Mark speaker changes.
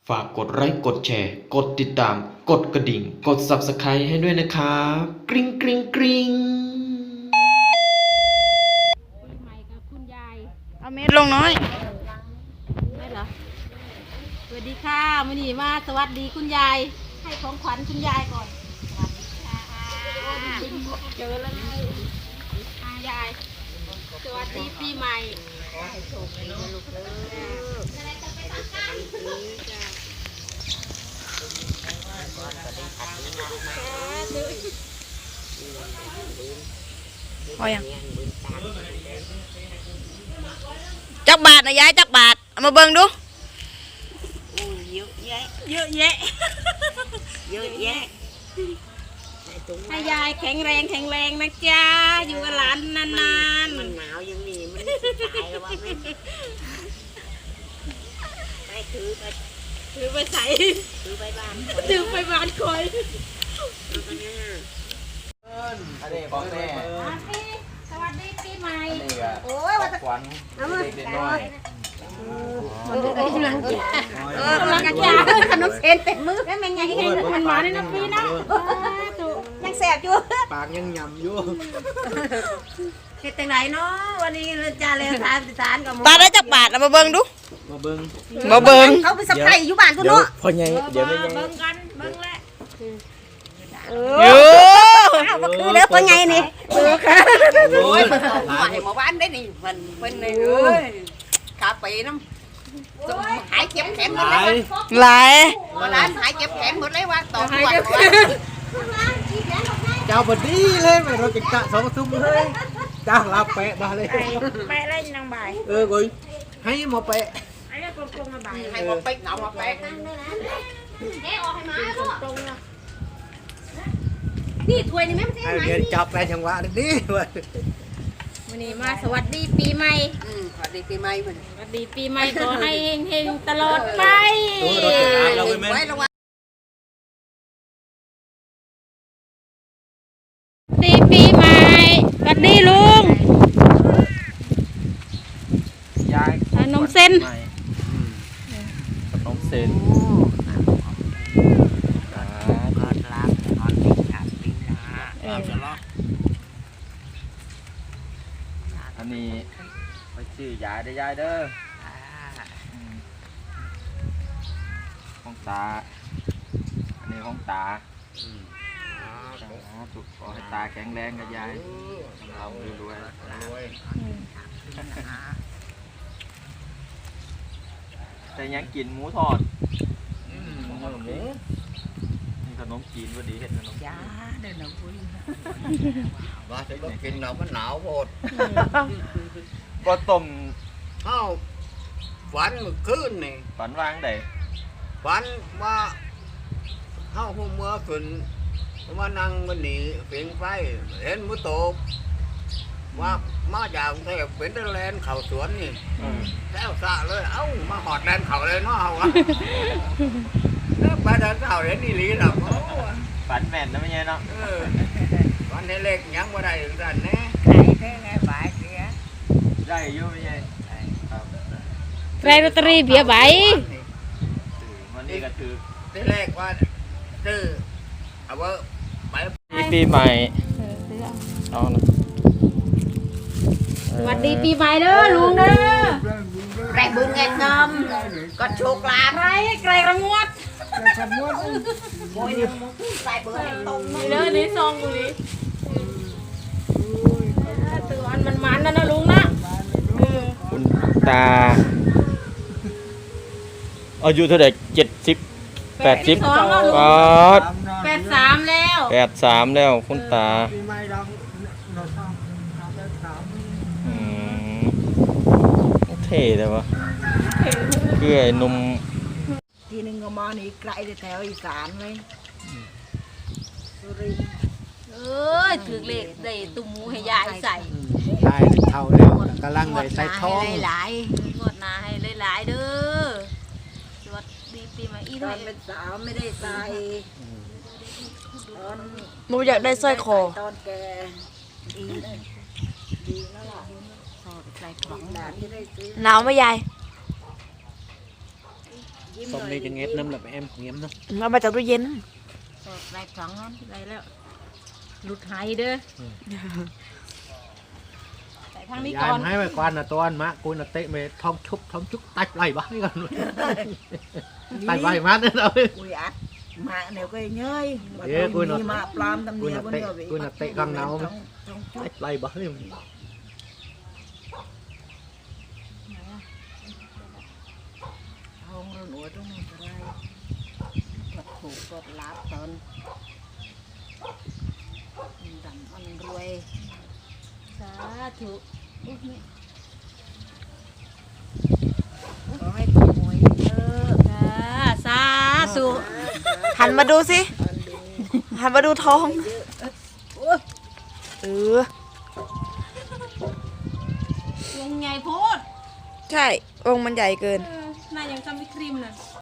Speaker 1: ฝากกดไลค์กดแชร์กดติดตามกดกระดิ่งกด Subscribe ให้ด้วยนะครับกริ๊งกริ๊งกริ๊ง
Speaker 2: ใหม่กับคุณยาย
Speaker 3: เอาเม็ดลงน้อย
Speaker 2: ได้เหรอสวัสดีค่ะมื้อนี้มาสวัสดีคุณยายให้ของขวัญคุณยายก่อนสวัสดีค่ะเจอแล้วยายสวัสดีปีใหม่ขอให้โชคดีนะลูกเด้อ
Speaker 3: พอยังจักบาทนะยายจักบาทเอามาเบิ่งดูเยอะแยะเยอะแยะเยอะแยะ
Speaker 2: ให้ยายแข็งแรงนะจ๊ะอยู่กับหลานนานๆ
Speaker 3: มันหนาวยังมีมันตายแล้วว่าไม่ถือไปใส่
Speaker 2: ถือไปบ้าน
Speaker 3: ถือไปบ้าน
Speaker 2: คอย
Speaker 4: อันนี้ของแม่
Speaker 2: สวัสดีปีใหม่
Speaker 4: อันนี้ก็ขวัญเด็กๆน้อย
Speaker 2: กำลังจะยาขนมเส้นเต็มมือแล้วแม่ไงให้มันมาในน้ำปีนะยังแสบอยู่
Speaker 4: ปากยังยำอยู่
Speaker 2: เฮ็ดจังไหนเนาะวันนี้จะเลยทานกับ
Speaker 3: ตาได้จักบาทเอามาเบิ่งดู
Speaker 4: มาเบิ้ง
Speaker 3: มาเบิ่ง
Speaker 2: เขาไปสับไก่อยู่บ้านกู
Speaker 4: เดี๋ยว
Speaker 2: เนาะ
Speaker 4: พอไงเดี๋ยวไม่ไง
Speaker 2: เบิ่งกันเบิ่งแหละ
Speaker 3: เยอะ
Speaker 2: ก็คือแล้วเป็นไงนี่ค่ะ
Speaker 4: โอ้ย
Speaker 3: หายมาบ้านได้นี่มันเป็นเลยเอ้ยขาปีน้ำหายเจ็บแขนหมด
Speaker 4: ห
Speaker 3: เล
Speaker 4: ลาย
Speaker 3: ยหลายวันนั้นหายเจ็บแขนหมดเลยว่าต่อหัว
Speaker 4: เจ้าบดีเลยไม่เราจะกะสองทุ่มเลยจ้างลาแปะมาเลย
Speaker 2: ไปเล่นนางบ่าย
Speaker 4: กุยให้หมอแปะ
Speaker 2: ไอ้กลมๆมาบ่าย
Speaker 3: ให้มาปิ๊กเอามาแปะ
Speaker 2: แกออกให้มาตรงนะนี่ถ้วยนี่แม่ไม่ใช่ไหม
Speaker 4: เดี๋ยวจับแปะจังหวะนี้เว้ย
Speaker 2: วันนี้มาสวัสดีปีใหม่
Speaker 3: สวัสดีปีใหม่มัน
Speaker 2: สวัสดีปีใหม่ขอให้เฮงๆตลอดไป
Speaker 4: ตัวเราจะอ่านเราไปไหม
Speaker 3: ไว้ระวัง
Speaker 2: ดีปีใหม่สวัสดีลุง
Speaker 4: ยาย
Speaker 2: ขนมเส้น
Speaker 4: ขนมเส้นอันนี้ไปชื่อยายได้ยายเด้อของตาอันนี้ของตาถูกขอให้ตาแข็งแรงกับยายเรารวยแต่ยังกินหมูทอดขนมนี้นี่ขนมจีนพอดีเห็ดขนม
Speaker 3: จ้าเดินเอาคุย
Speaker 5: ว่าจะต้องกินเรามันหนาวโพด
Speaker 4: ก็ต้ม
Speaker 5: เข้าฝันเมื่อคืนนี่
Speaker 4: ฝันวางได้
Speaker 5: ฝันว่าเข้าหัวเมื่อคืนมานั่งมันหนีเสียงไฟเห็นมือโตบว่ามาจากกรุงเทพเป็นตะแลนเข่าสวนนี่แล้วสะเลยเอ้ามาหอดแลนเข่าเลยเนาะเอาวะแล้วไปเดินเข่าเห็นนี่ลีหรอก
Speaker 4: ฝันแม่นนะไม่ใช่เนาะ
Speaker 5: ฝันให้เล็กยังบ่ได้ถึงกันแน่
Speaker 4: ได้อยู่ไม่ใช่ครับ
Speaker 2: ใครลอตเตอรี่เบียร์ใบ
Speaker 4: วันนี้ก็ถือ
Speaker 5: ที่แรกว่าซื้อเอาไว้ไป
Speaker 4: ปีใหม่เอานะ
Speaker 2: สวัสดีปีใหม่เด้อลุงเด้อ
Speaker 3: แรงบุญไงงอมก็โชคลาภ
Speaker 2: ใครไกลระงวด
Speaker 3: โอ้ยเนี่ยมึงใส่เบอร์ให้ตรง
Speaker 2: นี่เด้อนี่ซองกูนี่ตัวอันมันนั่นนะลุงนะ
Speaker 4: คุณตาอายุเท่าไหร่70 80
Speaker 2: 82แล้วลุง
Speaker 4: ก็
Speaker 2: 83แล้ว
Speaker 4: 83แล้วคุณตาอืมเท่เลยวะเกื่อยหนุ่ม
Speaker 3: ทีนึงก็มานี่ไกลแถวอีสานเลยสุรินทร์
Speaker 2: เอ้ยถือเลขได้ตุ้มหมูให้ยายใส่
Speaker 4: ได้เท่าแล้วกำลังเลยใส่ท้อง
Speaker 3: หลาย
Speaker 2: งวดหน้าให้หลายๆเด้อสวัสดีปีใหม่อี
Speaker 3: ๆต
Speaker 2: ด้
Speaker 3: อ
Speaker 2: วน ย
Speaker 3: เป็นสาวไม่ได้ใส่ตอน
Speaker 6: หนูอยากได้สร้อยคอ
Speaker 3: ตอนแกดีแล้วล่ะสอดใส่ของหลานที่ได้ซื้อ
Speaker 6: หนาวไหมยาย
Speaker 7: ต้มนี่จะเงียบน้ำแบบemเงียบเนาะ
Speaker 6: เอามาจากตู้เย็น
Speaker 2: ได้สองนั้นได้แล้วหลุดหายเด้อใส่ทางนี้
Speaker 7: ยา
Speaker 2: ก่
Speaker 7: ย
Speaker 2: อน
Speaker 7: ให้ไปก่อนนะตัวมะกูน่ะเตะไปท้องชุบตัดไหลบ้างก่อนตัดไหลมาเนี่ยเรา
Speaker 3: Ui ác mà nếu cái nhơi mà
Speaker 7: Thế
Speaker 3: tôi
Speaker 7: cô nó-
Speaker 3: đi mà plam tâm
Speaker 7: cô
Speaker 3: địa
Speaker 7: nó
Speaker 3: con
Speaker 7: tệ-
Speaker 3: nhỏ bị
Speaker 7: cô nó
Speaker 3: bắt
Speaker 7: tệ
Speaker 3: tôi
Speaker 7: con
Speaker 3: lên
Speaker 7: nào
Speaker 3: trong- trong chút
Speaker 7: ตัดไหลบ้างเนี่ย
Speaker 3: không rồi nữa trong này cái này quật khổ quật lát tơn đầm ăn ruồi
Speaker 2: สาธุอุ๊ยแม่
Speaker 3: có hai con mồi nhớ
Speaker 2: จ้าสาธุ
Speaker 6: หันมาดูสิ หันมาดูท้อง เออ
Speaker 2: วงใหญ่โพด
Speaker 6: ใช่องค์มันใหญ่เกิน
Speaker 2: น่ายังจำไม่ครีมเลย